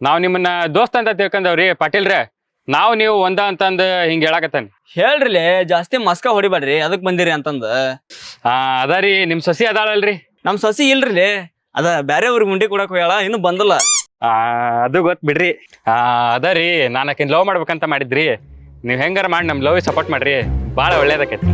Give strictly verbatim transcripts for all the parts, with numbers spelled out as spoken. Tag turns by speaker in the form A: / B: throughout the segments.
A: ನಾವ್ ನಿಮ್ಮನ್ನ ದೋಸ್ತ ಅಂತ ತಿಳ್ಕೊಂಡವ್ರಿ ಪಾಟೀಲ್ರೆ. ನಾವ್ ನೀವು ಒಂದ ಅಂತಂದ್ ಹಿಂಗ ಹೇಳಾಕತ್ತಾನ.
B: ಹೇಳ್ರಿಲೆ ಜಾಸ್ತಿ ಮಸ್ಕ ಹೊಡಿಬೇಡ್ರಿ ಅದಕ್ ಬಂದಿರಿ ಅಂತಂದ.
A: ಆ ಅದಾರಿ ನಿಮ್ ಸಸಿ ಅದಾಳಲ್ರಿ.
B: ನಮ್ ಸಸಿ ಇಲ್ರಿ ಅದ ಬ್ಯಾರೆ ಊರಿಗೆ ಮುಂಡಿ ಕೊಡಕ್ ಹೋಗ್ಯಾಳ ಇನ್ನು ಬಂದಲ್ಲ.
A: ಆ ಅದು ಗೊತ್ ಬಿಡ್ರಿ. ಆ ಅದರಿ ನಾನು ಆಕಿನ್ ಲವ್ ಮಾಡ್ಬೇಕಂತ ಮಾಡಿದ್ರಿ. ನೀವ್ ಹೆಂಗಾರ ಮಾಡಿ ನಮ್ ಲವ್ ಸಪೋರ್ಟ್ ಮಾಡ್ರಿ, ಬಾಳ ಒಳ್ಳೇದಕ್ಕೈತಿ.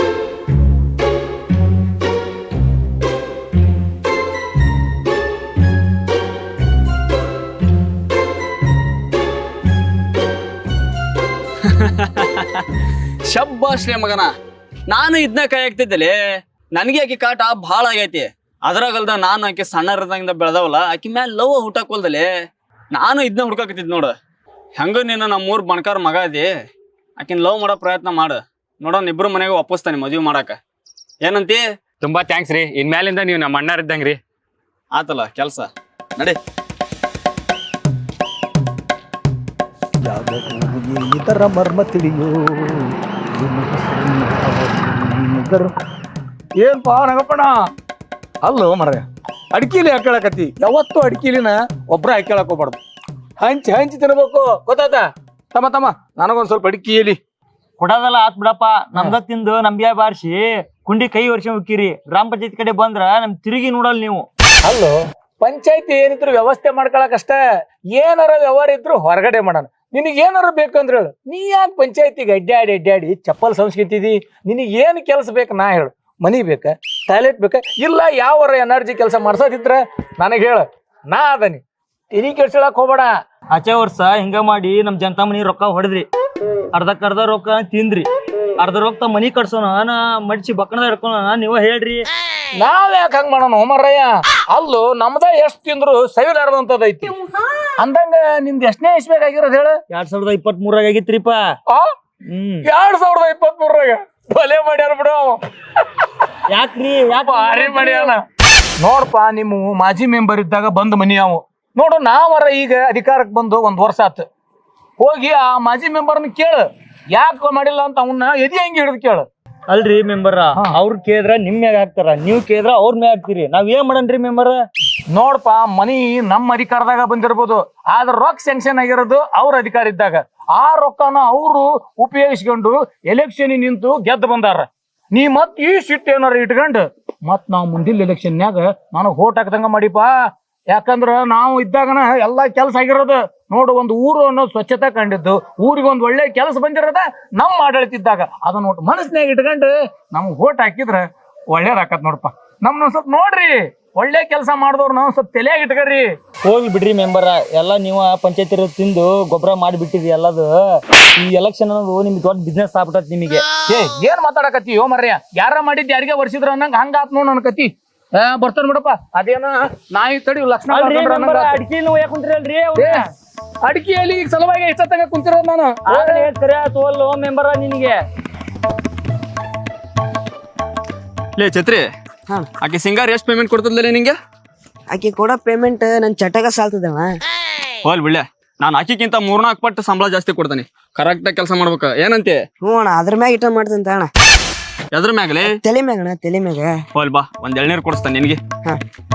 B: ಶಬ್ಬಾಶ್ರೇ ಮಗನ, ನಾನು ಇದನ್ನ ಕೈ ಹಾಕ್ತಿದ್ದಲ್ಲಿ ನನಗೆ ಆಕಿ ಕಾಟ ಭಾಳ ಆಗೈತಿ. ಅದ್ರಾಗಲ್ದ ನಾನು ಆಕಿ ಸಣ್ಣರದಾಗಿಂದ ಬೆಳೆದವಲ್ಲ, ಆಕಿ ಮ್ಯಾಲ ಲವ್ ಹುಟ್ಟಾಕೊಲ್ದಲ್ಲಿ ನಾನು ಇದನ್ನ ಹುಡ್ಕಾಕತ್ತಿದ್ ನೋಡು. ಹೆಂಗ ನೀನು ನಮ್ಮೂರ್ ಬಣಕಾರ ಮಗ ಅದಿ, ಆಕಿನ ಲವ್ ಮಾಡೋ ಪ್ರಯತ್ನ ಮಾಡು. ನೋಡೋಣ ಇಬ್ರು ಮನೆಗೆ ಒಪ್ಪಿಸ್ತಾನೆ ಮದುವೆ ಮಾಡಾಕ. ಏನಂತಿ?
A: ತುಂಬಾ ಥ್ಯಾಂಕ್ಸ್ ರೀ. ಇನ್ಮ್ಯಾಲಿಂದ ನೀವು ನಮ್ಮ ಅಣ್ಣಾರ್ ಇದ್ದಂಗ್ರಿ.
B: ಆತಲ್ಲ ಕೆಲ್ಸ, ನಡಿ.
C: ಇದರ ಮರ್ಮ ತಿಳಿಯೋ ಏನ್ಪಾ ನಗಪ್ಪಣ. ಅಲ್ಲೋ ಮರ ಅಡ್ಕಿಲಿ ಹಾಕಳಕತಿ. ಯಾವತ್ತು ಅಡ್ಕಿಲಿನ ಒಬ್ರ ಹಾಕ್ಯಾಳಕ್ ಹೋಗ್ಬಾರ್ದು, ಹಂಚಿ ಹಂಚಿ ತಿನ್ಬೇಕು. ಗೊತ್ತಾತ ತಮ್ಮ ತಮ್ಮ ನನಗೊಂದ್ ಸ್ವಲ್ಪ ಅಡ್ಕಿಲಿ
D: ಕೊಡೋದಲ್ಲ ಆತ್ ಬಿಡಪ್ಪ. ನಮ್ದ ತಿಂದು ನಮ್ಗೆ ಬಾರಿಸಿ ಕುಂಡಿ ಕೈ ವರ್ಷ ಹೋಗಿರಿ. ಗ್ರಾಮ ಪಂಚಾಯತ್ ಕಡೆ ಬಂದ್ರ ನಮ್ ತಿರುಗಿ ನೋಡಲ್ ನೀವು.
C: ಅಲ್ಲೋ ಪಂಚಾಯತಿ ಏನಿದ್ರು ವ್ಯವಸ್ಥೆ ಮಾಡ್ಕೊಳಕಷ್ಟ, ಏನಾರ ವ್ಯವಹಾರ ಇದ್ರು ಹೊರಗಡೆ ಮಾಡೋಣ. ನಿನಗೆ ಏನಾರ ಬೇಕಂದ್ರೆ ಹೇಳು. ನೀ ಯಾಕೆ ಪಂಚಾಯತಿಗೆ ಅಡ್ಡಾಡಿ ಅಡ್ಡಾಡಿ ಚಪ್ಪಲ್ ಸಂಸ್ಕೃತಿದಿ? ನಿನಗೆ ಏನು ಕೆಲಸ ಬೇಕು ನಾ ಹೇಳು. ಮನಿ ಬೇಕಾ, ಟಾಯ್ಲೆಟ್ ಬೇಕಾ, ಇಲ್ಲ ಯಾವರ ಎನರ್ಜಿ ಕೆಲಸ ಮಾಡ್ಸೋದಿದ್ರ ನನಗೆ ಹೇಳು, ನಾ ಅದನಿ. ತಿರಿ ಕೆಡ್ಸಳಕ್ ಹೋಗ್ಬೇಡ.
D: ಆಚೆ ವರ್ಷ ಹಿಂಗ ಮಾಡಿ ನಮ್ ಜನತಾ ಮನಿ ರೊಕ್ಕ ಹೊಡೆದ್ರಿ, ಅರ್ಧಕ್ಕರ್ಧ ರೊಕ್ಕ ತಿಂದ್ರಿ, ಅರ್ಧ ರೊಕ್ಕ ಮನಿ ಕಟ್ಸೋಣ ನಾ ಮಡ್ಸಿ ಬಕ್ಕಣದ ಹಿಡ್ಕೋಣ. ನೀವ ಹೇಳ್ರಿ
C: ನಾವ್ ಯಾಕೆ ಹಂಗ ಮಾಡೋಣ ಹೋಮರಯ್ಯ? ಅಲ್ಲೂ ನಮ್ದ ಎಷ್ಟ್ ತಿಂದ್ರು ಸವಿಲಾರ್ದಂತದೈತಿ. ಅಂದಂಗ ನಿಮ್ದು ಎಷ್ಟನೇ ಇಸ್ಬೇಕಾಗಿರೋದು ಹೇಳ?
D: ಎರಡ್ ಸಾವಿರದ ಇಪ್ಪತ್ತ್ ಮೂರಾಗ ಆಗಿತ್ರಿಪ್ಪ.
C: ಹ್ಮ್ ಎರಡ್ ಸಾವಿರದ ಇಪ್ಪತ್ತ್ ಮೂರಾಗ ಬಲೆ ಮಾಡ್ಯಾರ ಬಿಡು.
D: ಯಾಕ್ರಿ ಯಾಕ
C: ಭಾರಿ ಮಾಡ್ಯಾನ ನೋಡ್ಪಾ. ನಿಮ್ಮ ಮಾಜಿ ಮೆಂಬರ್ ಇದ್ದಾಗ ಬಂದ್ ಮನಿ ಅವು ನೋಡು. ನಾವರ ಈಗ ಅಧಿಕಾರಕ್ಕೆ ಬಂದು ಒಂದ್ ವರ್ಷ ಆತು. ಹೋಗಿ ಆ ಮಾಜಿ ಮೆಂಬರ್ನ ಕೇಳು ಯಾಕೆ ಮಾಡಿಲ್ಲ ಅಂತ. ಅವನ್ನ ಎದಿ ಹೆಂಗೆ ಹಿಡಿದು ಕೇಳು.
D: ಅಲ್ರಿ ಮೆಂಬರ್, ಅವ್ರ ಕೇಳಿದ್ರ ನಿಮ್ ಮ್ಯಾಗ ಹಾಕ್ತಾರ, ನೀವ್ ಕೇಳಿದ್ರ ಅವ್ರ ಮ್ಯಾಗ ಹಾಕ್ತಿರಿ. ನಾವ್ ಏನ್ ಮಾಡನ್ರಿ ಮೆಂಬರ್?
C: ನೋಡ್ಪಾ, ಮನಿ ನಮ್ಮ ಅಧಿಕಾರದಾಗ ಬಂದಿರ್ಬೋದು, ಆದ್ರ ರೊಕ್ಕ ಸ್ಯಾಂಕ್ಷನ್ ಆಗಿರೋದು ಅವ್ರ ಅಧಿಕಾರ ಇದ್ದಾಗ. ಆ ರೊಕ್ಕನ ಅವರು ಉಪಯೋಗಿಸ್ಕೊಂಡು ಎಲೆಕ್ಷನ್ ನಿಂತು ಗೆದ್ದು ಬಂದಾರ. ನೀ ಮತ್ ಈ ಸಿಟ್ಟು ಏನಾರ ಇಟ್ಕೊಂಡು ಮತ್ ನಾವ್ ಮುಂದಿನ ಎಲೆಕ್ಷನ್ಯಾಗ ನನಗ್ ವೋಟ್ ಹಾಕ್ದಂಗ ಮಾಡಿಪಾ. ಯಾಕಂದ್ರ ನಾವು ಇದ್ದಾಗನ ಎಲ್ಲಾ ಕೆಲ್ಸ ಆಗಿರೋದು ನೋಡು. ಒಂದು ಊರು ಅನ್ನೋದು ಸ್ವಚ್ಛತೆ ಕಂಡಿದ್ದು, ಊರಿಗೆ ಒಂದ್ ಒಳ್ಳೆ ಕೆಲಸ ಬಂದಿರೋದ ನಮ್ ಆಡಳಿತ ಇದ್ದಾಗ. ಅದನ್ನ ನೋಟ್ ಮನಸ್ಸಿನಾಗ ಇಟ್ಕೊಂಡು ನಮ್ಗ್ ವೋಟ್ ಹಾಕಿದ್ರ ಒಳ್ಳೇದಾಕತ್ ನೋಡಪ್ಪ. ನಮ್ನ ಸ್ವಲ್ಪ ನೋಡ್ರಿ, ಒಳ್ಳೆ ಕೆಲಸ ಮಾಡಿದವ್ರು ನಾವು ಸ್ವಲ್ಪ ತಲೆಯಾಗಿ ಇಟ್ಕರಿ.
D: ಹೋಗಿ ಬಿಡ್ರಿ ಮೆಂಬರ, ಎಲ್ಲಾ ನೀವು ಪಂಚಾಯತಿ ತಿಂದು ಗೊಬ್ಬರ ಮಾಡಿಬಿಟ್ಟಿರಿ ಎಲ್ಲದು. ಈ ಎಲೆಕ್ಷನ್ ಅನ್ನೋದು ನಿಮ್ಗೆ ದೊಡ್ಡ ಬಿಸ್ನೆಸ್ ಆಗ್ಬಿಟ್ಟತ್ ನಿಮಗೆ.
C: ಏ ಏನ್ ಮಾತಾಡಕತ್ತಿ ಯೋ ಮರ್ಯ? ಯಾರ ಮಾಡಿದ್ ಯಾರಿಗೆ ವರ್ಷಿದ್ರ ಅನ್ನಂಗ ಹಂಗ ಆತ್ ನೋಡ್ ನನ್ ಕತಿ. ಆ ಬರ್ತಾನ ಬಿಡಪ್ಪ. ಅದೇನ ನಾಯಿ ತಡಿ ಲಕ್ಷಣ
D: ಅಡಿಕೆ ಯಾಕೆ ಕುಂತಿರಲ್ರಿ?
C: ಅಡಿಕೆಯಲ್ಲಿ ಈಗ ಸಲುವಾಗಿ ಎಷ್ಟೊತ್ತಂಗ ಕುಂತಿರೋದು ನಾನು.
D: ತೋಲ್ ಮೆಂಬರ ನಿನಗೆ
B: ಲೇ ಛತ್ರಿ, ಆಕಿ ಸಿಂಗಾರ್ ಎಷ್ಟು ಪೇಮೆಂಟ್ ಕೊಡ್ತದ್ಲೇ ನಿಂಗೆ?
E: ಆಕಿ ಕೊಡೋ ಪೇಮೆಂಟ್ ನನ್ ಚಟಗ ಸಾಲ್ತದವ.
B: ಹೋಲ್ ಬಿಡ್ಲೆ, ನಾನು ಆಕಿಗಿಂತ ಮೂರ್ನಾಲ್ಕು ಪಟ್ಟು ಸಂಬಳ ಜಾಸ್ತಿ ಕೊಡ್ತಾನೆ. ಕರೆಕ್ಟ್ ಆಗಿ ಕೆಲಸ ಮಾಡ್ಬೇಕು. ಏನಂತೆ?
E: ಹ್ಞೂ ಅಣ್ಣ, ಅದ್ರ ಮ್ಯಾಗ ಇಟ್ಟ ಮಾಡ್ತಂತ ಅಣ್ಣ.
B: ಎದ್ರ ಮ್ಯಾಗಲೇ?
E: ತಲೆ ಮ್ಯಾಗ ಅಣ್ಣ, ತಲೆ ಮ್ಯಾಗ.
B: ಹೋಲ್ ಬಾ, ಒಂದ್ ಎಳ್ನೀರು ಕೊಡಿಸ್ತಾನೆ ನಿನಗೆ.
E: ಹಾ.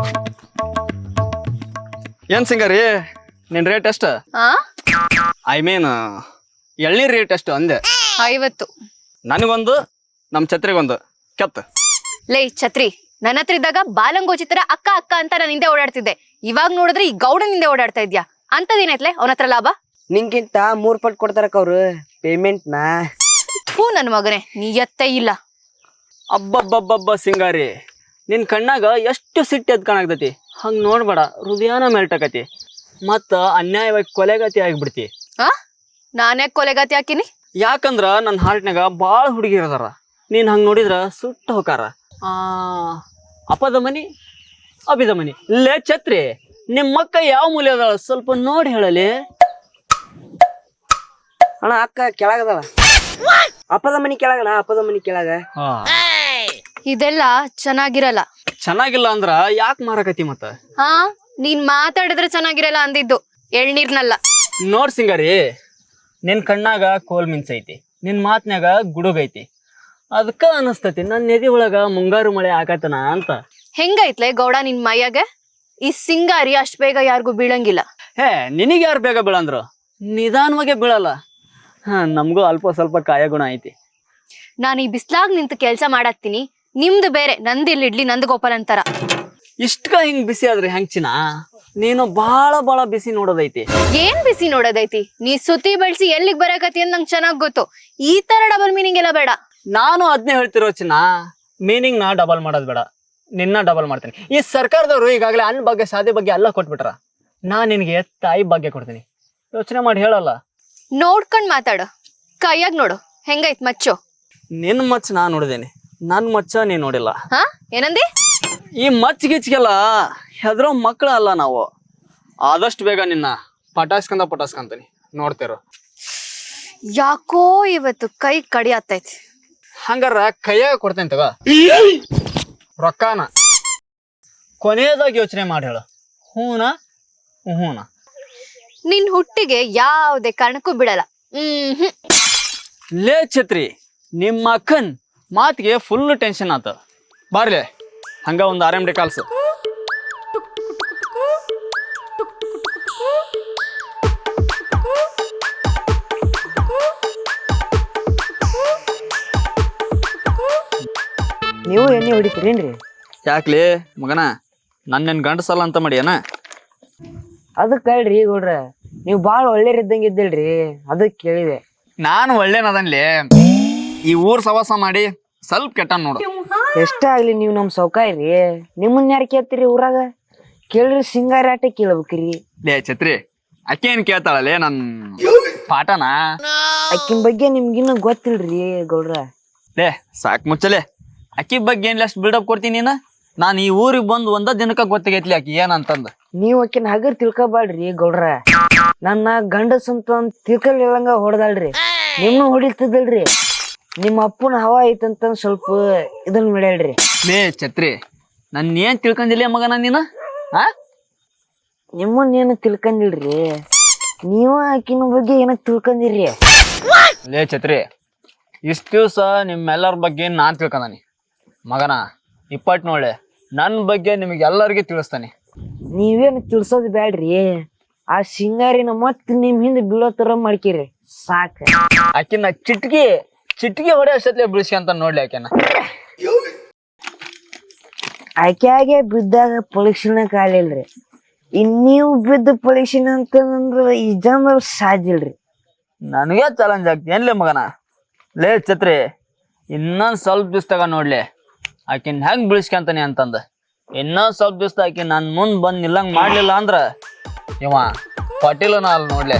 B: ಏನ್ ಸಿಂಗಾರಿ ನಿನ್ ರೇಟ್ ಎಷ್ಟು? ಐ ಮೀನ್ ಎಳ್ನೀರ್ ರೇಟ್ ಎಷ್ಟು ಅಂದೆ?
F: ಐವತ್ತು.
B: ನನಗೊಂದು, ನಮ್ ಛತ್ರಿಗೊಂದು ಕೆತ್ತ.
F: ಲೇ ಛತ್ರಿ, ನನ್ನ ಹತ್ರ ಇದ್ದಾಗ ಬಾಲಂಗೋಚಿ ತರ ಅಕ್ಕ ಅಕ್ಕ ಅಂತ ನಾನು ಹಿಂದೆ ಓಡಾಡ್ತಿದ್ದೆ. ಇವಾಗ ನೋಡಿದ್ರೆ ಈ ಗೌಡನಿಂದೆ ಓಡಾಡ್ತಾ ಇದ್ಯಾ. ಅಂತದೇನೈತ್ಲೆ ಅವನ ಹತ್ರ ಲಾಭ?
E: ನಿಂಗಿಂತ ಮೂರ್ ಪಟ್ ಕೊಡ್ತಾರಕ್ಕ ಅವ್ರು ಪೇಮೆಂಟ್ ನ.
F: ಥೂ ನನ್ ಮಗನೇ, ನೀ ಎತ್ತೇ ಇಲ್ಲ.
B: ಅಬ್ಬಬ್ಬಬ್ಬಬ್ಬ ಸಿಂಗಾರಿ, ನಿನ್ ಕಣ್ಣಾಗ ಎಷ್ಟು ಸಿಟ್ಟು ಎದ್ ಕಾಣಾಗ್ತತಿ. ಹಂಗ್ ನೋಡ್ಬೇಡ, ಹೃದಯನ ಮೆಲ್ಟಕತಿ, ಮತ್ತ ಅನ್ಯಾಯವಾಗಿ ಕೊಲೆಗತಿ ಆಗಿಬಿಡ್ತಿ.
F: ಆ ನಾನೇ ಕೊಲೆಗಾತಿ ಹಾಕಿನಿ?
B: ಯಾಕಂದ್ರ ನನ್ನ ಹಾರ್ಟ್ನಾಗ ಬಾಳ ಹುಡುಗಿರ್ ಅದಾರ. ನೀನ್ ಹಂಗ್ ನೋಡಿದ್ರ ಸುಟ್ಟ ಹೋಕಾರ. ಆ ಅಪದ ಮನಿ ಅಭಿದ ಮನಿ. ಲೇ ಛತ್ರಿ, ನಿಮ್ಮ ಅಕ್ಕ ಯಾವ ಮೂಲೆ ಅದಾಳ ಸ್ವಲ್ಪ ನೋಡಿ ಹೇಳಲಿ.
E: ಅಣ್ಣ ಅಕ್ಕ ಕೆಳಗದಳ. ಅಪ್ಪದ ಮನಿ ಕೆಳಗಣ, ಅಪ್ಪದ ಮನಿ ಕೆಳಗ.
F: ಇದೆಲ್ಲ ಚೆನ್ನಾಗಿರಲ್ಲ.
B: ಚೆನ್ನಾಗಿಲ್ಲ ಅಂದ್ರ ಯಾಕೆ ಮಾರಕತಿ ಮತ್ತ?
F: ಹಾ, ನೀನ್ ಮಾತಾಡಿದ್ರೆ ಚೆನ್ನಾಗಿರಲ್ಲ ಅಂದಿದ್ದು, ಎಳ್ನೀರ್ನಲ್ಲ.
B: ನೋಡ್ ಸಿಂಗಾರಿ, ನಿನ್ ಕಣ್ಣಾಗ ಕೋಲ್ ಮಿಂಚೈತಿ, ನಿನ್ ಮಾತ್ನ್ಯಾಗ ಗುಡುಗೈತಿ. ಅದಕ್ಕ ಅನಸ್ತತಿ ನನ್ನ ನೆದಿ ಒಳಗ ಮುಂಗಾರು ಮಳೆ ಆಗತನ ಅಂತ.
F: ಹೆಂಗೈತ್ಲೆ ಗೌಡ ನಿನ್ ಮೈಯಾಗ? ಈ ಸಿಂಗಾರಿ ಅಷ್ಟ್ ಬೇಗ ಯಾರಿಗೂ ಬೀಳಂಗಿಲ್ಲ.
B: ಹೇ ನಿನಗೆ ಯಾರು ಬೇಗ ಬೀಳಂದ್ರು ನಿಧಾನವಾಗೇ ಬೀಳಲ್ಲ. ಹಾ ನಮಗೂ ಅಲ್ಪ ಸ್ವಲ್ಪ ಕಾಯ ಗುಣ ಐತಿ.
F: ನಾನು ಈ ಬಿಸ್ಲಾಗ್ ನಿಂತು ಕೆಲ್ಸ ಮಾಡತ್ತೀನಿ, ನಿಮ್ದು ಬೇರೆ, ನಂದು ಇಲ್ಲಿ ಇಡ್ಲಿ ನಂದು ಗೋಪಾಲ್ ಅಂತಾರ.
B: ಇಷ್ಟಕ ಹಿಂಗ್ ಬಿಸಿ ಆದ್ರೆ ಹೆಂಗ್ ಚಿನ್ನ? ನೀನು ಬಾಳ ಬಾಳ ಬಿಸಿ ನೋಡೋದೈತಿ.
F: ಏನ್ ಬಿಸಿ ನೋಡೋದೈತಿ? ನೀ ಸುತ್ತಿ ಬೆಳ್ಸಿ ಎಲ್ಲಿಗ್ ಬರಕತಿ ಅಂತ ನಂಗೆ ಚೆನ್ನಾಗ್ ಗೊತ್ತು. ಈ ತರ ಡಬಲ್ ಮೀನಿಂಗ್ ಎಲ್ಲ ಬೇಡ.
B: ನಾನು ಅದ್ನೇ ಹೇಳ್ತಿರೋ ಚಿನ್ನ, ಮೀನಿಂಗ್ ನಾ ಡಬಲ್ ಮಾಡೋದ್ ಬೇಡ, ನಿನ್ನ ಡಬಲ್ ಮಾಡ್ತೀನಿ. ಈ ಸರ್ಕಾರದವರು ಈಗಾಗಲೇ ಅನ್ನ ಬಗ್ಗೆ ಶಾದಿ ಬಗ್ಗೆ ಎಲ್ಲ ಕೊಟ್ಬಿಟ್ರ, ನಾ ನಿನಗೆ ತಾಯಿ ಭಾಗ್ಯ ಕೊಡ್ತೀನಿ. ಯೋಚನೆ ಮಾಡಿ ಹೇಳಲ್ಲ.
F: ನೋಡ್ಕೊಂಡ್ ಮಾತಾಡು, ಕೈಯಾಗ್ ನೋಡು ಹೆಂಗೈತ್ ಮಚ್ಚು.
B: ನಿನ್ ಮಚ್ಚ ನಾ ನೋಡಿದೇನೆ, ನನ್ ಮಚ್ಚ ನೀ ನೋಡಿಲ್ಲ.
F: ಹಾ ಏನಂದಿ?
B: ಈ ಮಚ್ಚ ಗಿಚ್ಗೆಲ್ಲ ಹೆದ್ರೋ ಮಕ್ಕಳ ಅಲ್ಲ ನಾವು. ಆದಷ್ಟು ಬೇಗ ನಿನ್ನ ಪಟಾಸ್ಕಂದ ಪಟಾಸ್ಕಂತೀನಿ, ನೋಡ್ತಿರೋ.
F: ಯಾಕೋ ಇವತ್ತು ಕೈ ಕಡಿ ಆತೈತಿ.
B: ಹಂಗಾರ ಕೈಯಾಗ ಕೊಡ್ತೇನೆ ತಗ ರೊಕ್ಕಾನ. ಕೊನೆಯದಾಗಿ ಯೋಚನೆ ಮಾಡಿ ಹೇಳು, ಹೂನಾ ಹೂನಾ?
F: ನಿನ್ ಹುಟ್ಟಿಗೆ ಯಾವುದೇ ಕಾರಣಕ್ಕೂ ಬಿಡಲ್ಲ. ಹ್ಮ್ ಹ್ಮ್
B: ಲೇ ಛತ್ರಿ, ನಿಮ್ಮ ಅಕ್ಕನ್ ಮಾತಿಗೆ ಫುಲ್ ಟೆನ್ಷನ್ ಆತ. ಬಾರ್ಲೆ ಹಂಗ ಒಂದು ಆರ್ ಎಮ್ ಡಿ ಕಾಲ್ಸು.
E: ನೀವು ಎಣ್ಣೆ ಹೊಡಿತೀರೇನ್ರಿ?
B: ಯಾಕ್ಲಿ ಮಗನ, ನನ್ನೇನ್ ಗಂಡಸಲ್ಲ ಅಂತ ಮಾಡಿಯನ?
E: ಅದಕ್ಕೆ ಹೇಳ್ರಿ ಗೌಡ್ರ, ನೀವು ಭಾಳ ಒಳ್ಳೆಯರಿದ್ದಂಗೆ ಇದ್ದಿಲ್ರಿ, ಅದಕ್ಕೆ ಕೇಳಿದೆ.
B: ನಾನು ಒಳ್ಳೇನದನ್ಲಿ, ಈ ಊರ್ ಸವಾಸ ಮಾಡಿ ಸ್ವಲ್ಪ ಕೆಟ್ಟ ನೋಡು.
E: ಎಷ್ಟೇ ಆಗ್ಲಿ ನೀವು ನಮ್ಮ ಸೌಕಾರ್ರಿ, ನಿಮ್ಮನ್ನ ಯಾರು ಕೇಳ್ತೀರಿ ಊರಾಗ? ಕೇಳ್ರಿ ಸಿಂಗಾರ ಆಟ ಕೇಳ್ಬೇಕ್ರಿ.
B: ಲೇ ಛತ್ರಿ, ಅಕ್ಕಿ ಏನ್ ಕೇಳ್ತಾಳಲ್ಲೇ ನನ್ ಪಾಠನ?
E: ಅಕ್ಕಿನ ಬಗ್ಗೆ ನಿಮ್ಗಿನ್ನ ಗೊತ್ತಿಲ್ರಿ ಗೌಡ್ರ.
B: ಲೇ ಸಾಕ್ ಮುಚ್ಚಲೆ, ಅಕ್ಕಿ ಬಗ್ಗೆ ಏನ್ ಅಷ್ಟು ಬಿಲ್ಡಪ್ ಕೊಡ್ತೀನಿ ನೀನ? ನಾನು ಈ ಊರಿಗೆ ಬಂದು ಒಂದ ದಿನಕ್ಕ ಗೊತ್ತಾಗೈತ್ಲಿ ಆಕಿ ಏನಂತಂದ.
E: ನೀವು ಆಕಿನ ಹಗರ್ ತಿಳ್ಕೊಬ್ಯಾಡ್ರಿ ಗೌಡ್ರ. ನನ್ನ ಗಂಡಸ್ ಅಂತ ತಿಳ್ಕೊಲಿಲ್ಲಂಗ ಹೊಡೆದಾಳ್ರಿ, ನಿಮ್ನು ಹೊಡಿತಿದ್ದಲ್ರಿ. ನಿಮ್ಮ ಅಪ್ಪನ ಹವಾ ಐತಂತ ಸ್ವಲ್ಪ ಇದನ್ನ ಮಾಡ್ಯಾಳ್ರಿ.
B: ಲೇ ಛತ್ರಿ, ನನ್ ಏನ್ ತಿಳ್ಕೊಂಡಿಲ್ಲ ಮಗನ ನೀನ? ಆ
E: ನಿಮ್ಮನ್ನ ಏನು ತಿಳ್ಕೊಂಡಿಲ್ರಿ, ನೀವು ಆಕಿನ ಬಗ್ಗೆ ಏನಕ್ ತಿಳ್ಕೊಂಡಿರಿ?
B: ಲೇ ಛತ್ರಿ, ಇಷ್ಟ ದಿವ್ಸ ನಿಮ್ಮೆಲ್ಲರ ಬಗ್ಗೆ ನಾನ್ ತಿಳ್ಕೊಂಡಾನಿ ಮಗನ. ಇಪ್ಪಟ್ ನೋಳೆ ನನ್ನ ಬಗ್ಗೆ ನಿಮಗೆ ಎಲ್ಲರಿಗೂ ತಿಳಿಸ್ತಾನೆ.
E: ನೀವೇನು ತಿಳ್ಸೋದ್ ಬ್ಯಾಡ್ರಿ, ಆ ಸಿಂಗಾರಿನ ಮತ್ ನಿಮ್ ಹಿಂದೆ ಬೀಳೋ ತರ ಮಾಡ್ಕಿರಿ ಸಾಕ.
B: ಆಕಿನ ಚಿಟ್ಕಿ ಚಿಟ್ಕಿ ಹೊಡೆ ಅಷ್ಟತ್ಲೆ ಬಿಡಿಸ್ಕೊಂತ ನೋಡ್ಲಿ ಆಕೆನ.
E: ಆಕ್ಯಾಗೆ ಬಿದ್ದಾಗ ಪರೀಕ್ಷಣ ಕಾಲಿಲ್ರಿ, ಇನ್ ನೀವು ಬಿದ್ದ ಪರೀಕ್ಷಣ ಅಂತಂದ್ರ ಈ ಜನ ಸಾಧ್ಯಿಲ್ರಿ.
B: ನನಗೆ ಚಾಲೆಂಜ್ ಆಗ್ತಿ ಏನ್ಲೇ ಮಗನ? ಲೇ ಛತ್ರಿ, ಇನ್ನೊಂದ್ ಸ್ವಲ್ಪ ದಿವ್ಸದಾಗ ನೋಡ್ಲಿ ಆಕಿನ್ ಹೆಂಗ್ ಬಿಡಿಸ್ಕೊಂತಾನೆ ಅಂತಂದ. ಇನ್ನೊಂದ್ ಸ್ವಲ್ಪ ದಿವ್ಸ ಆಕಿ ನನ್ ಮುಂದ್ ಬಂದ್ ನಿಲ್ಲಂಗ್ ಮಾಡ್ಲಿಲ್ಲ ಅಂದ್ರ ಇವ ಪಟೀಲನ ಅಲ್ಲಿ ನೋಡ್ಲೆ.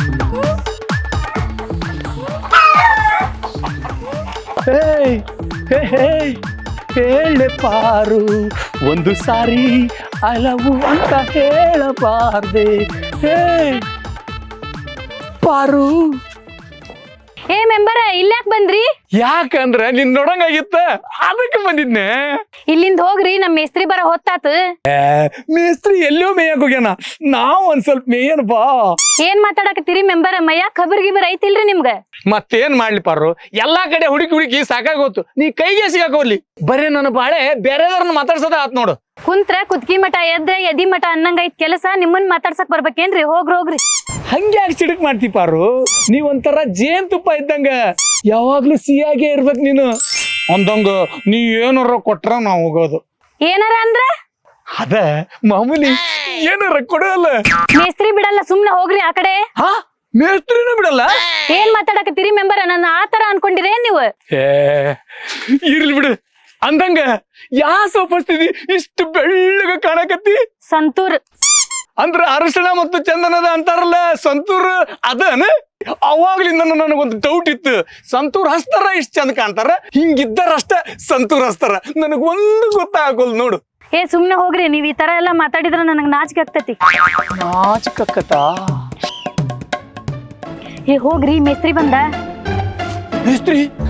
C: ಹೇಳೆ ಪಾರು ಒಂದು ಸಾರಿ ಹಲವು ಅಂತ ಹೇಳಬಾರ್ದೆ. ಹೇ ಪಾರು,
F: ಏ ಮೆಂಬರ ಇಲ್ಯಾಕ್ ಬಂದ್ರಿ?
C: ಯಾಕಂದ್ರ ನಿನ್ ನೋಡಂಗಾಗಿತ್ತ ಅದಕ್ಕೆ ಬಂದಿದ್ನೆ.
F: ಇಲ್ಲಿಂದ ಹೋಗ್ರಿ, ನಮ್ ಮೇಸ್ತ್ರಿ ಬರ ಹೊತ್ತಾತ.
C: ಮೇಸ್ತ್ರಿ ಎಲ್ಲೋ ಮೇಯಕ್ ಹೋಗ್ಯಾನ, ನಾವ್ ಒಂದ್ ಸ್ವಲ್ಪ ಮೇಯನ್ ಬಾ.
F: ಏನ್ ಮಾತಾಡಕತ್ತೀರಿ ಮೆಂಬರ? ಮಯ್ಯ ಖಬರ್ ಗಿಬರ್ ಐತಿಲ್ರಿ ನಿಮ್ಗ?
C: ಮತ್ತೇನ್ ಮಾಡ್ಲಿ ಪಾರು, ಎಲ್ಲಾ ಕಡೆ ಹುಡುಕಿ ಹುಡುಕಿ ಸಾಕಾಗೋತು, ನೀ ಕೈಗೆ ಸಿಗಾಕೋಲಿ. ಬರೇ ನನ್ನ ಬಾಳೆ ಬೇರೆದವ್ರನ್ನ ಮಾತಾಡ್ಸೋದ ಆತ್ ನೋಡು.
F: ಕುಂತ್ರ ಕುತ್ಕಿ ಮಠ, ಎದ್ರ ಎದಿ ಮಠ ಅನ್ನಂಗ ಐತ್ ಕೆಲಸ. ನಿಮ್ಮನ್ ಮಾತಾಡ್ಸಕ್ ಬರ್ಬೇಕೇನ್ರಿ? ಹೋಗ್ರಿ ಹೋಗ್ರಿ.
C: ಹಂಗ್ಯಾಕ್ ಸಿಡಕ್ ಮಾಡ್ತಿ ಪಾರು, ನೀವ್ ಒಂಥರ ಜೇನ್ ತುಪ್ಪ ಇದ್ದಂಗ, ಯಾವಾಗ್ಲೂ ಸಿಹಿಯಾಗೆ ಇರ್ಬೇಕ್ ನೀನು. ಒಂದೊಂದು ನೀ ಏನಾರ ಕೊಟ್ರ ನಾವ್ ಹೋಗೋದು.
F: ಏನಾರ ಅಂದ್ರ
C: ಅದ ಮಾಮೂಲಿ, ಏನಾರ ಕೊಡಲ್ಲ.
F: ಮೇಸ್ತ್ರಿ ಬಿಡಲ್ಲ, ಸುಮ್ನೆ ಹೋಗ್ರಿ ಆ ಕಡೆ.
C: ಹಾ ಮೇಸ್ತ್ರಿನೂ ಬಿಡಲ್ಲ?
F: ಏನ್ ಮಾತಾಡಕತ್ತೀರಿ ಮೆಂಬರ? ನನ್ನ ಆತರ ಅನ್ಕೊಂಡಿರೇನ್ ನೀವು?
C: ಏ ಇರ್ಲಿ ಬಿಡು. ಅಂದಂಗ ಯಾ ಸೋಪಸ್ತಿದಿ ಇಷ್ಟು ಬೆಳ್ಳಗ ಕಾಣಕತ್ತಿ?
F: ಸಂತೂರ್
C: ಅಂದ್ರ ಅರಶಿಣ ಮತ್ತು ಚಂದನದ ಅಂತಾರಲ್ಲ, ಸಂತೂರ್ ಅದನ? ಅವಾಗ್ಲಿಂದ ನನಗೊಂದು ಡೌಟ್ ಇತ್ತು, ಸಂತೂರ್ ಹಸ್ತಾರ ಇಷ್ಟ ಚಂದ ಕಾಣ್ತಾರ, ಹಿಂಗಿದ್ದಾರಷ್ಟ ಸಂತೂರ್ ಹಸ್ತಾರ, ನನಗೊಂದು ಗೊತ್ತಾಗೋಲ್ ನೋಡು.
F: ಏ ಸುಮ್ನೆ ಹೋಗ್ರಿ, ನೀವ್ ಈ ತರ ಎಲ್ಲಾ ಮಾತಾಡಿದ್ರ ನನಗ್ ನಾಚಿಕೆ ಆಗ್ತತಿ.
C: ನಾಚಿಕಕ್ಕತಾ?
F: ಏ ಹೋಗ್ರಿ, ಮೇಸ್ತ್ರಿ ಬಂದ.
C: ಮೇಸ್ತ್ರಿ